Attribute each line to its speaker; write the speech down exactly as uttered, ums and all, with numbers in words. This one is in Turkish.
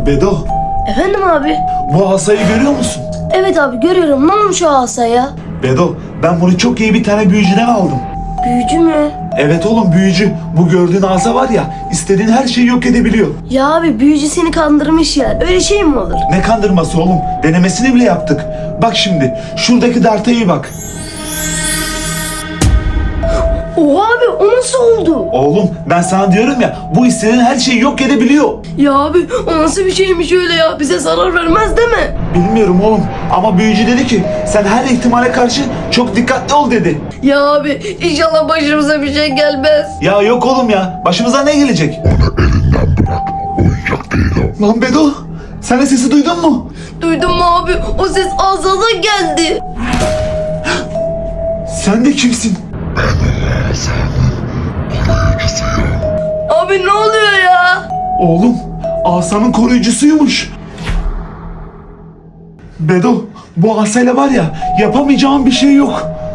Speaker 1: Bedo,
Speaker 2: Efendim abi?
Speaker 1: bu asayı görüyor musun?
Speaker 2: Evet abi görüyorum. Ne olmuş o asaya?
Speaker 1: Bedo, ben bunu çok iyi bir tane büyücüden aldım.
Speaker 2: Büyücü mü?
Speaker 1: Evet oğlum, büyücü. Bu gördüğün asa var ya, istediğin her şeyi yok edebiliyor.
Speaker 2: Ya abi büyücü seni kandırmış ya. Öyle şey mi olur?
Speaker 1: Ne kandırması oğlum? Denemesini bile yaptık. Bak şimdi, şuradaki darta iyi bak.
Speaker 2: Oha abi o nasıl oldu?
Speaker 1: Oğlum, ben sana diyorum ya, bu istediğin her şeyi yok edebiliyor.
Speaker 2: Ya abi o nasıl bir şeymiş öyle ya? Bize zarar vermez değil mi?
Speaker 1: Bilmiyorum oğlum, ama büyücü dedi ki sen her ihtimale karşı çok dikkatli ol dedi.
Speaker 2: Ya abi inşallah başımıza bir şey gelmez.
Speaker 1: Ya yok oğlum ya, başımıza ne gelecek?
Speaker 3: Onu elinden bırak. Oyuncak değil o.
Speaker 1: Lan Bedo, sen de sesi duydun mu?
Speaker 2: Duydun mu abi? O ses ağzına geldi.
Speaker 1: Sen de kimsin?
Speaker 3: Asanın koruyucusuyum.
Speaker 2: Abi ne oluyor ya?
Speaker 1: Oğlum, asanın koruyucusuymuş. Bedo, bu asayla var ya, yapamayacağım bir şey yok.